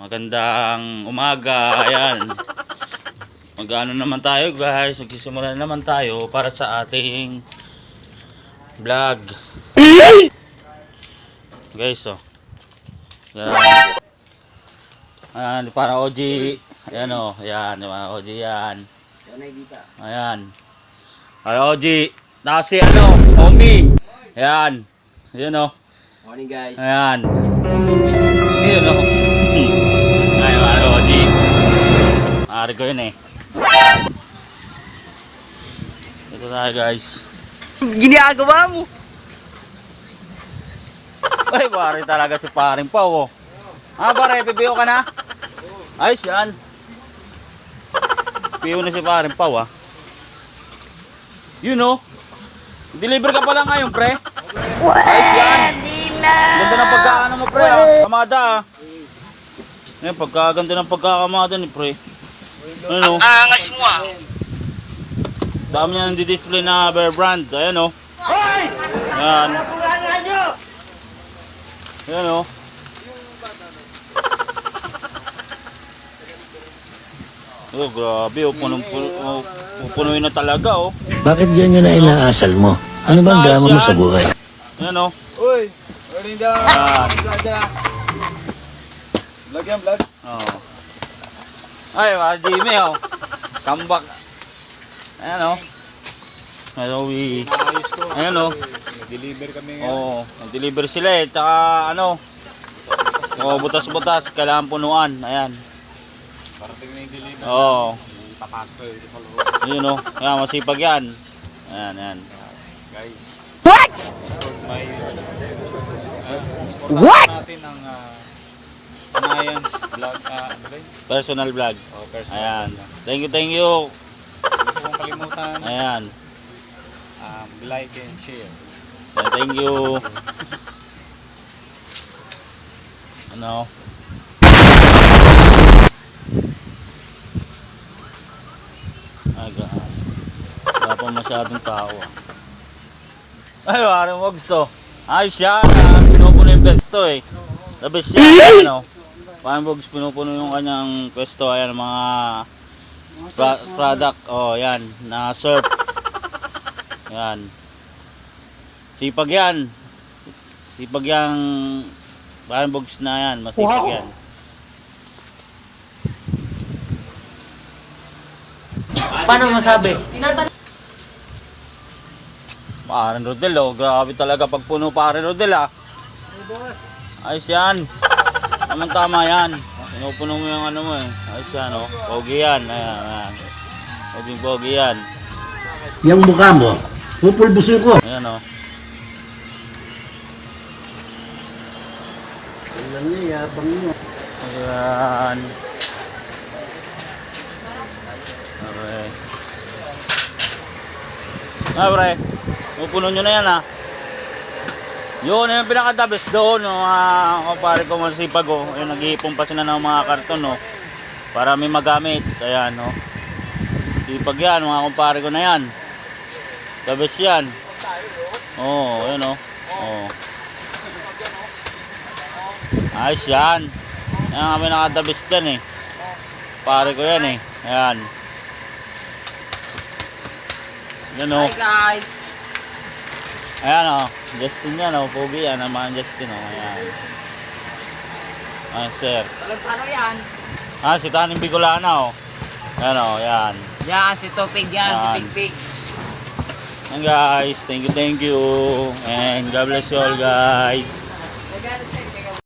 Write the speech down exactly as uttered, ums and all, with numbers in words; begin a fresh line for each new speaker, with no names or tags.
Magandang umaga. Ayan. Mag-ano naman tayo guys. Magsisimula naman tayo para sa ating vlog. Guys, oh. Ayan. Ayan, para O G. Ayan, oh. Ayan, para O G yan. Ayan. Para O G. Tapos si ano, Omi. Ayan. Ayan, oh.
Morning guys.
Ayan. Ayan, oh. Ayan, para O G. Maaari ko yun eh. Ito tayo guys.
Ginagawa mo?
Ay, pare talaga si paring Pao, oh. Ah, pare, pipiyo ka na? Ayos yan. Pipiyo na si paring Pao, ah. You know, deliver ka pala ngayon, pre. Ayos yan. Ganda ng pagkaano mo, pre, ah. Kamada, ah. Ngayon, pagkaganda ng pagkakamada ni pre. Ano?
Ang angas mo ah.
Dami niya ng di-display na Bear Brand. Ayan, oh. Ayan. Ayan, oh. Oh, grabe, oh. Punong-puno, oh. Pupunuin na talaga, oh.
Bakit ganyan na inaasal mo? Ano bang drama mo sa buhay?
Ayan, oh.
Uy, morning daw.
Ayan.
Vlog yan, vlog.
Oh. Ay, mga Jimmy, oh. Comeback. Ayan, oh. Ayan, oh.
Ayos ko.
Ayan, oh.
Deliver kami ngayon.
Oo, nag-deliver sila eh. Tsaka ano, oh, butas-butas, kailangan punuan. Ayan.
Parating na yung deliver.
Oo.
Papasok kayo dito sa loob.
Yun, oh. Ayan, masipag yan. Ayan, ayan.
Guys.
What?
Support my... Uh,
What?
natin ang uh, Anayans vlog. Uh, ano ba yun?
Personal vlog.
Oh, personal.
Ayan. Thank you, thank you.
Gusto kong kalimutan.
Ayan.
Um, like and share.
Ayan, thank you. Ano? Aga. Wala pa masyadong tao. Ay, parang wagso. Ayos yan. Ah, pinupuno yung pwesto eh. The best yan. Ano? Parang wags pinupuno yung kanyang pwesto. Ayan, mga pra product. Oh, yan. Na surf. Yan. Sipag yan. Sipag yang parang bogs na yan. Masipag yan.
Paano masabi?
Paren Rodel, oh. Grabe talaga pag puno Paren Rodel, ah. Ayos yan. Tamang tama yan. Pinupuno mo yung ano mo eh. Ayos yan, oh. Pogi yan. Ayan, ayan. Poging pogi yan.
Yung mukha mo, pupulbusin ko.
Ayan, oh.
Alam niya, yabang niya.
Ayan. Okay. Ah, pre. Pupuno nyo na yan, ah. Yun, yung pinaka-the-best doon, yung mga kumpare ko masipag, oh. Yung nag-iipon pa sila ng mga karton, oh. Para may magamit. Ayan, oh. Sipag yan, mga kumpare ko na yan. The best yan. Oo, oh, yun, oh. Oh. Ayos yan. Yan kami naka-the best yan, eh. Pare ko yan, eh. Ayan. Yan, oh.
Hi guys.
Ayan, oh. Justin yan, oh. Pogi yan. Naman Justin, oh. Ayan. Ayan, sir.
Paano yan?
Ah, si Taning Bicolana, oh. Ayan, oh. Ayan.
Yan, si Topig yan,
Yan.
si Pigpig.
Ayan, guys. Thank you, thank you. And God bless you all, guys.